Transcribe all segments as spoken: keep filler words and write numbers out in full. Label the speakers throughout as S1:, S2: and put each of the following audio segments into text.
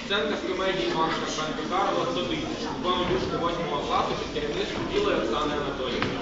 S1: Сценка з комедії Іван Шарпенко Карла «сто тисяч». Виконує учні восьмого класу під керівництвом Білої Оксани Анатоліївни.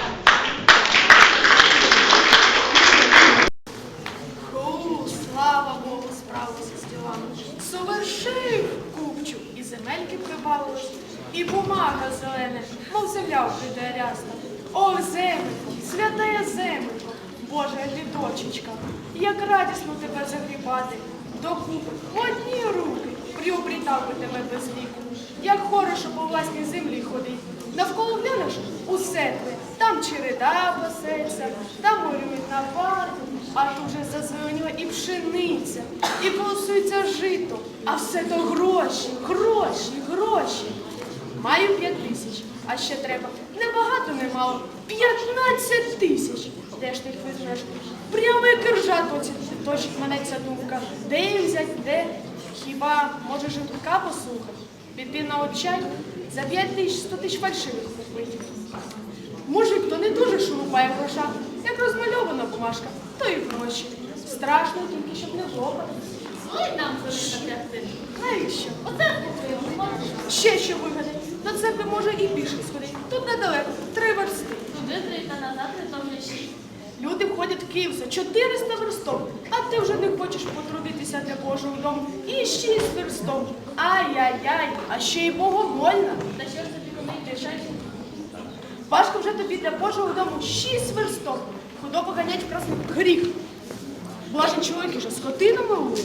S2: Фу, слава Богу, справився з ділами. Совершив купчу, і земельки прибавилось, і бумага зелена, мов земля прийде рясна. О, земелько, святая земелько, Божа лідочечка, як радісно тебе загрібати. Докупи в одні руки приобрітав би тебе без віку. Як хорошо по власній землі ходить. Навколо глянеш усе твоє. Там череда пасеться, там горюють на парку, а тут вже зазеленіла і пшениця, і колосується жито. А все то гроші, гроші, гроші. Маю п'ять тисяч, а ще треба небагато, немало. П'ятнадцять тисяч. Де ж ти їх візьмеш? Прямо як ржа точить мене ця думка. Де їх взять, де? Хіба може житка послухати? Піти на отчай? За п'ять тисяч сто тисяч фальшивих купити. Мужик, то не дуже шурупає гроша. Як розмальована бумажка, то і гроші. Страшно тільки, щоб не лопати.
S3: Ой, нам за тягти.
S2: Навіщо?
S3: Оце купуємо, можеш.
S2: Ще що вигадати. До церкви може і пішки сходити. Тут недалеко, три версти.
S3: Туди три та назад, і то вже шість.
S2: Люди входять в Київ за чотириста верстов, а ти вже не хочеш потрудитися для Божого дому. І шість верстов. Ай-яй-яй, а ще й богомольна.
S3: Та що ж тобі коли більше?
S2: Важко вже тобі для Божого дому шість верстов. Худобу ганять в красний гріх. Блажен чоловік уже скотину милує.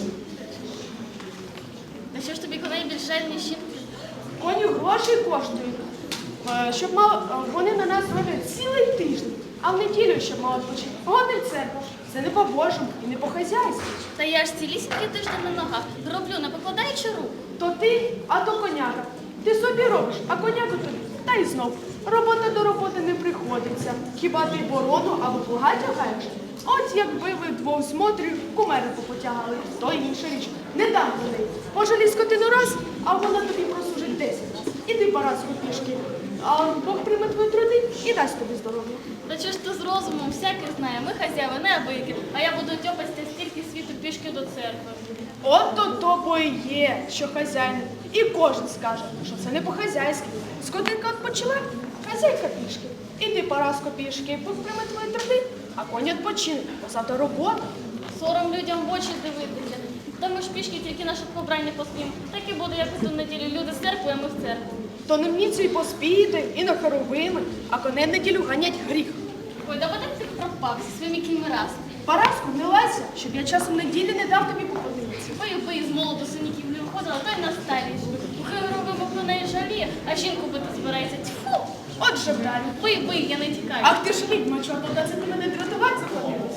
S3: Та що ж тобі коней більше, ніж щіпки?
S2: Коні гроші коштують. Е, Щоб мало, е, вони на нас роблять цілий тиждень, а в неділю, щоб мало відпочити. Гони в церкву. Це не по-божому і не по-хазяйськи.
S3: Та я ж цілісінький тиждень на ногах. Роблю, не покладаючи рук.
S2: То ти, а то коняка. Ти собі робиш, а коняку тобі. Та й знов. Робота до роботи не приходиться. Хіба ти борону або плуга тягаєш? От якби ви двох з Мотрію кумери попотягали, то інша річ. Не дам людей. Пожалій скотину раз, а вона тобі прослужить десять раз. Іди Параску пішки. А Бог прийме твої труди і дасть тобі здоров'я.
S3: Та що ж ти з розумом всякий знає, ми хазяїни, не абики, а я буду тьопатися стільки світу пішки до церкви.
S2: От то то бо і є, що хазяїн. І кожен скаже, що це не по-хазяйськи. Скотинка відпочила, хазяйка пішки. Іди Параско пішки, Бог прийме твої труди, а коні відпочине, бо завтра робота.
S3: Сором людям в очі дивитися. Та ми ж пішки тільки наше побрання поспім. Так і буде, як у ту неділю. Люди з церкви, а ми в церкву.
S2: То не вміться і поспіти, і на хоровими, а коней в неділю ганять гріх.
S3: Ой, да потім ти пропав зі своїми кіньми раз.
S2: Параску, не лайся, щоб я часом неділі не дав тобі походитися.
S3: Бою бої з молоду синіків не виходила, то й на старість. Хай робимо про неї жаліє, а жінку бити збирається. Тьфу!
S2: От же далі.
S3: Бий, бий, я не тікаю.
S2: Ах ти ж відьма, чорта, це ти мене дратувати заходилась.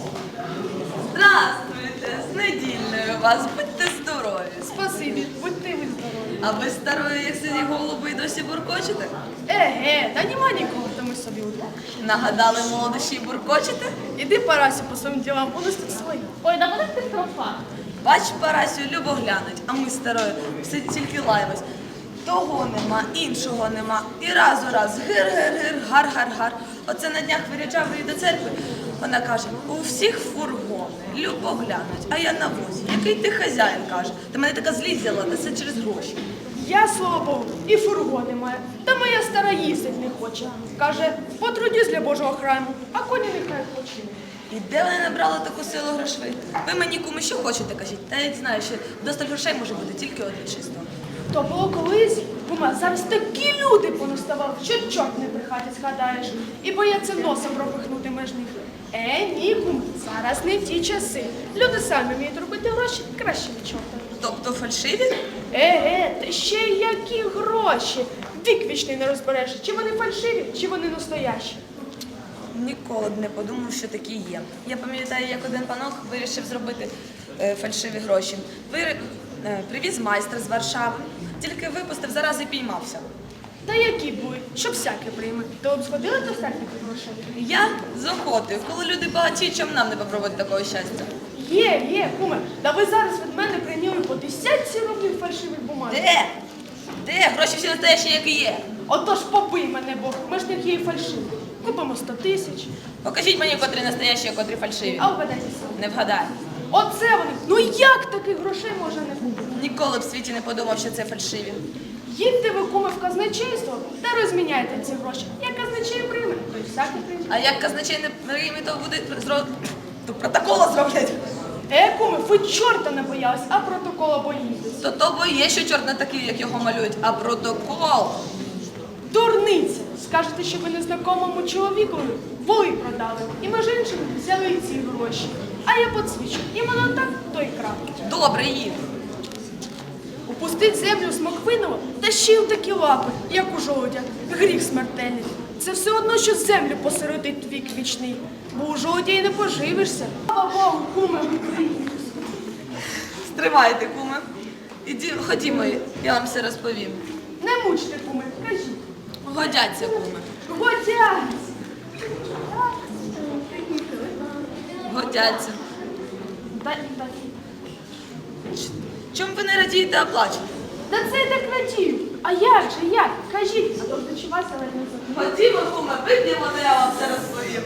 S4: Здравствуйте, з недільною вас, будьте здорові.
S2: Спасибі, будьте ви здорові.
S4: А ви старої, як сині голуби, й досі буркочете?
S2: Еге, та нема нікого, то ми собі удвох.
S4: Нагадали молодощі й буркочете?
S2: Іди, Парасю, по своїм ділам, у нас тут свої.
S3: Ой, да потім ти пропав.
S4: Бач, Парасю, любо глянуть, а ми старою все тільки лаємось. Того нема, іншого нема. І раз у раз гир-гир-гир, гар-гар-гар. Оце на днях виряджав її до церкви. Вона каже, у всіх фургони, любо глянуть, а я на возі. Який ти хазяїн, каже. Та мене така злість взяла, та все через гроші.
S2: Я, слава Богу, і фургони маю. Та моя стара їздить не хоче. Каже, потрудюсь для Божого храму, а коні нехай починуть.
S4: І де вони набрали таку силу грошей? Ви мені кому що хочете, кажіть. Та я знаю, що досталь грошей може бути тільки одне чисто.
S2: То було колись, кума, зараз такі люди понаставали, що чорт не при хаті згадаєш. І бояться носа пропихнути меж них. Е, ні, кум, зараз не ті часи. Люди самі вміють робити гроші, краще від чорта.
S4: Тобто фальшиві?
S2: Еге, та ще й які гроші. Вік вічний не розбереш, чи вони фальшиві, чи вони настоящі.
S4: Ніколи б не подумав, що такі є. Я пам'ятаю, як один панок вирішив зробити е, фальшиві гроші. Вир... е, привіз майстра з Варшави, тільки випустив, зараз і піймався.
S2: Та які були, щоб всяке прийме. То б сходили до всяких грошей?
S4: Я з охотою, коли люди багаті, чому нам не попробувати такого щастя?
S2: Є, є, куме, та ви зараз від мене прийняли по десятці рублів фальшивих бумаг.
S4: Де? Де? Гроші всі настоящі, як і є.
S2: Отож побий мене Бог, ми ж не тієї фальшиві. Купимо сто тисяч,
S4: Покажіть мені, котрі настоящі, а котрі фальшиві.
S2: а вгадайте сам.
S4: Не вгадай.
S2: Оце вони. Ну як таких грошей може не бути?
S4: Ніколи в світі не подумав, що це фальшиві.
S2: Їдьте ви, куме, в казначейство та розміняйте ці гроші. Як казначей прийме, то й всякий прийме.
S4: А як казначей не прийме, то буде зро... то протокола зроблять.
S2: Е, куме, ви чорта не боялись, а протокола боїтесь.
S4: То то бо є, що чорт не такий, як його малюють, а протокол.
S2: Дурниця! Скажете, що ви незнакомому чоловікові воли продали. І між іншим взяли і ці гроші. А я подсвічу. Іменно так, то й крапки.
S4: Добре, їд.
S2: Упустить землю смоквиного та ще й у такі лапи, як у жолудя. Гріх смертельний. Це все одно, що землю посередить вік вічний. Бо у жолудя й не поживишся. Слава Богу, куме, ви приїхали.
S4: Стривайте, куме. Іді, ходімо, я вам все розповім.
S2: Не мучте, куме, кажіть.
S4: Годяться, куме.
S2: Годяться!
S4: Годяться.
S2: Дай, дай.
S4: Чому ви не радієте, а плачете?
S2: Та це я так радію. А як же, як? Кажіть, а то дочувайся, але не забуду.
S4: Ходімо, куме, вип'ємо, то я вам все розповім.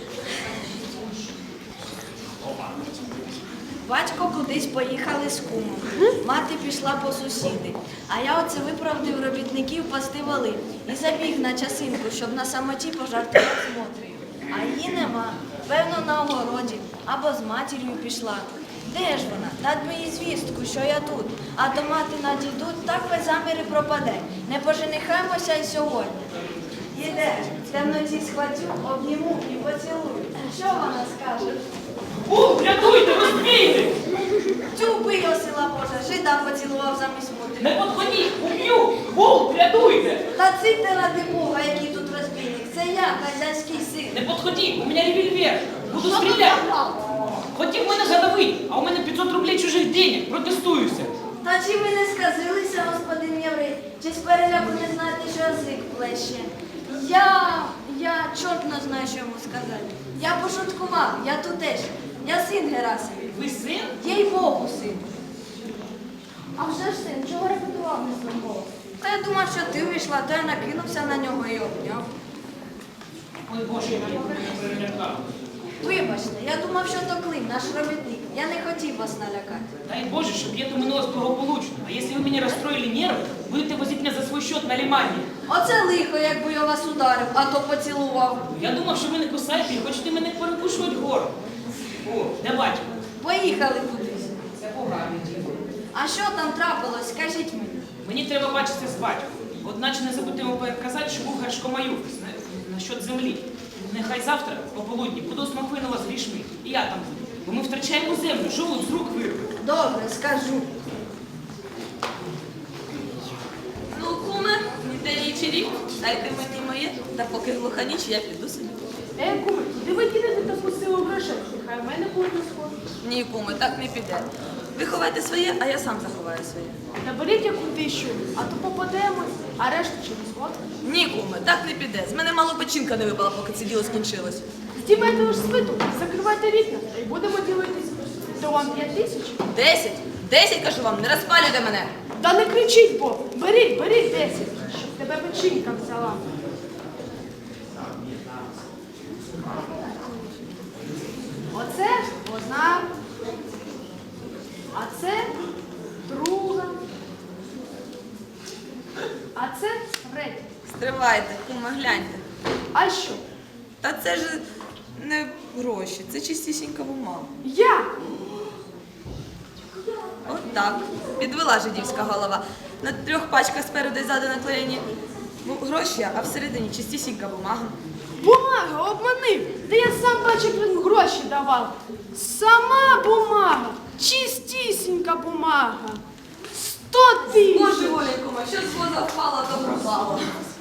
S5: Батько кудись поїхали з кумом. Мати пішла по сусіди. А я оце виправдив робітників пасти воли і забіг на часинку, щоб на самоті пожартувати з Мотрею. А її нема. Певно, на огороді або з матір'ю пішла. Де ж вона? Дать мені звістку, що я тут. А то мати надійдуть, так без заміри пропаде. Не поженихаємося й сьогодні. Іде, в темноті схватю, обніму і поцілую. Що вона скаже?
S6: У, рятуйте, розбійник!
S5: Тю, бий його, сила Божа, жида поцілував замість мути.
S6: Не подходіть, уб'ю! Гул, рятуйте!
S5: Та ците ради Бога, який тут розбійник. Це я, хазяйський
S6: Не
S5: син.
S6: подходіть, у мене револьвер. Буду стріляти. Хотів мене задавити, а у мене п'ятсот рублей чужих денег. Протестуюся.
S5: Та чи ви не сказилися, господин Єврей? Чи з переляку не знаєте, що язик плеще? Я, я чорт не знаю, що йому сказати. Я пошуткував, я тутешній. Я син Герасимів.
S6: Ви син?
S5: Їй Богу, син.
S3: А вже ж син, чого репетував не зробив?
S5: Та я думав, що ти вийшла, то я накинувся на нього і обняв.
S6: Ой, Боже, я мене перелякав.
S5: Вибачте, я думав, що то Клим, наш робітник. Я не хотів вас налякати.
S6: Дай Боже, чтобы это минулось благополучно. А если вы меня расстроили нервы, будете возить меня за свой счет на лимані.
S5: Оце лихо, якби я вас ударив, а то поцілував.
S6: Я думав, що ви не кусаєте і хочете мене перекушувати гору. О, де батько?
S5: Поїхали кудись.
S6: Це поганий діло.
S5: А що там трапилось, скажіть мені.
S6: Мені треба бачитися з батьком. Одначе не забудьте йому переказати, що був Гершкомаюк насчет землі. Нехай завтра, пополудні, буду з Маквинова з грішми. І я там буду. Бо ми втрачаємо землю, жолудь з рук вирве.
S5: Добре, скажу.
S4: Ну, куме, ніде нічирі, дайте мені моє, та поки глуха ніч, я піду собі.
S2: Е, куме, куди ви кинете таку силу грошей? Нехай в мене буде сход.
S4: Ні, куме, так не піде. Ви ховайте своє, а я сам заховаю своє.
S2: Та беріть яку тисячу, а то попадемось, а решту через год.
S4: Ні, куме, так не піде. З мене мало печінка не випала, поки це діло скінчилось.
S2: Здіймайте лиш свиту, закривайте вікна, та й будемо ділитися. То вам п'ять тисяч?
S4: Десять. Десять, кажу вам, не розпалюйте мене.
S2: Та не кричіть, бо беріть, беріть десять, щоб тебе печінка взяла. Оце одна, а це друга, а це третя.
S4: Стривайте, куме, гляньте.
S2: А що?
S4: Та це ж не гроші, це чистісінька бумага.
S2: Як?
S4: От так. Підвела жидівська голова. На трьох пачках спереду і ззаду наклеєні бу- гроші, а всередині чистісінька бумага.
S2: Бумага обманив. Та я сам бачив, як він гроші давав. Сама бумага, чистісінька бумага. Сто тисяч.
S4: Боже волі, куме, що з воза впало, то пропало.